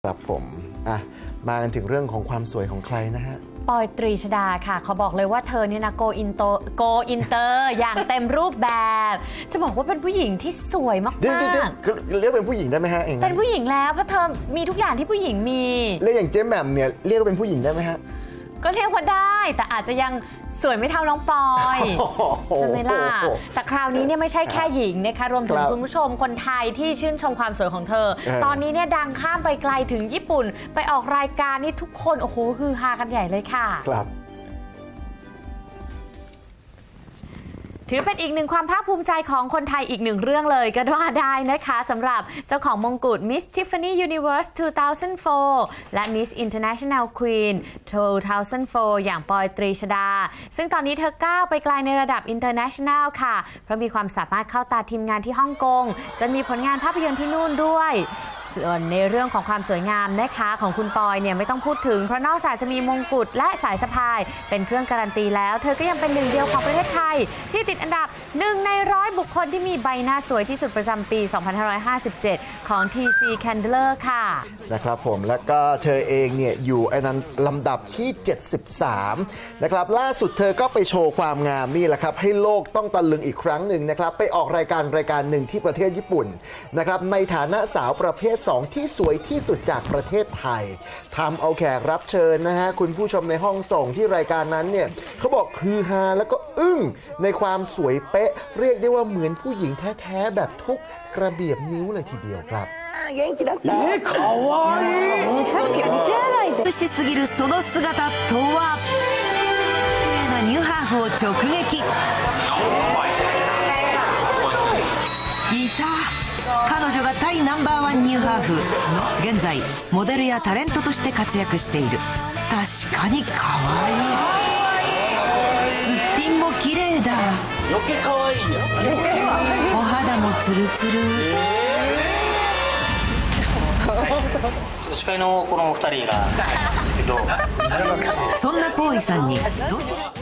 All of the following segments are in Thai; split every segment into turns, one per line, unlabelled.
ครับผมมากันถึงเรื่องของความสวยของใครนะฮะ
ปอยตรีชดาค่ะเขาบอกเลยว่าเธอเนี่ยนะโกอินเตอร์อย่างเต็มรูปแบบ จะบอกว่าเป็นผู้หญิงที่สวยมาก
ๆเรียกเป็นผู้หญิงได้ไหมฮะ
เป็นผู้หญิงแล้วเพราะเธอมีทุกอย่างที่ผู้หญิงมี
เรียกอย่างเจ๊แหม่มเนี่ยเรียกว่าเป็นผู้หญิงได้ไหมฮะ
ก็เรียกว่าได้แต่อาจจะยังสวยไม่เท่าน้องปอยใช่ไหมล่ะแต่คราวนี้เนี่ยไม่ใช่แค่หญิงนะคะรวมถึงคุณผู้ชมคนไทยที่ชื่นชมความสวยของเธอตอนนี้เนี่ยดังข้ามไปไกลถึงญี่ปุ่นไปออกรายการนี่ทุกคนโอ้โหคือฮากันใหญ่เลยค่ะ
ครับ
ถือเป็นอีกหนึ่งความภาคภูมิใจของคนไทยอีกหนึ่งเรื่องเลยก็ว่าได้นะคะสำหรับเจ้าของมงกุฎ Miss Tiffany Universe 2004 และ Miss International Queen 2004 อย่างปอยตรีชดาซึ่งตอนนี้เธอก้าวไปไกลในระดับ International ค่ะเพราะมีความสามารถเข้าตาทีมงานที่ฮ่องกงจนมีผลงานภาพยนตร์ที่นู่นด้วยส่วนในเรื่องของความสวยงามนะคะของคุณปอยเนี่ยไม่ต้องพูดถึงเพราะนอกจากจะมีมงกุฎและสายสะพายเป็นเครื่องการันตีแล้วเธอก็ยังเป็นหนึ่งเดียวของประเทศไทยที่ติดอันดับ1 ใน 100 บุคคลที่มีใบหน้าสวยที่สุดประจำปี 2557 ของ TC Candler ค่ะ
นะครับผมแล้วก็เธอเองเนี่ยอยู่อันนั้นลำดับที่ 73 นะครับล่าสุดเธอก็ไปโชว์ความงามนี่แหละครับให้โลกต้องตะลึงอีกครั้งหนึ่งนะครับไปออกรายการหนึ่งที่ประเทศญี่ปุ่นนะครับในฐานะสาวประเภท2ที่สวยที่สุดจากประเทศไทยทำเอาแขกรับเชิญนะฮะคุณผู้ชมในห้องส่งที่รายการนั้นเนี่ยเขาบอกคือฮาแล้วก็อึ้งในความสวยเป๊ะเรียกได้ว่าเหมือนผู้หญิงแท้ๆแบบทุกกระเบียบนิ้วเลยทีเดียวครับ
元気だったかわいい
さっきは似てないで美しすぎるその姿とは綺麗なニューハーフを直撃いた彼女がタイナンバーワンニューハーフ現在モデルやタレントとして活躍している確かに可愛いすっぴんも綺麗だ
余計可愛いやん
お肌もツルツル
司会のこの2人がですけど
そんなポーイさんにどちら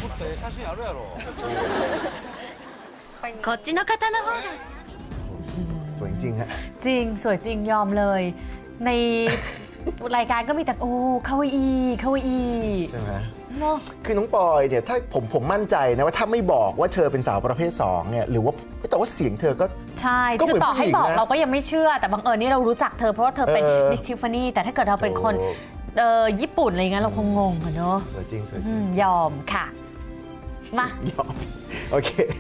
こっちの方の方が
สวยจริงฮะ
จริงสวยจริงยอมเลยในรายการก็มีแต่โอ้คาวาอี
ใช่ไหม
เนาะ
คือน้องปอยเนี่ยถ้าผมมั่นใจนะว่าถ้าไม่บอกว่าเธอเป็นสาวประเภท2เนี่ยหรือว่าแต่ว่าเสียงเธอก็
ใช่คือต่อให้บอกเราก็ยังไม่เชื่อแต่บังเอิญนี่เรารู้จักเธอเพราะว่าเธอเป็นมิสทิฟฟานี่แต่ถ้าเกิดเราเป็นคนญี่ปุ่นอะไรเงี้ยเราคงงงอะเนาะ
สวยจริง
ยอมค่ะมาย
อมโอเค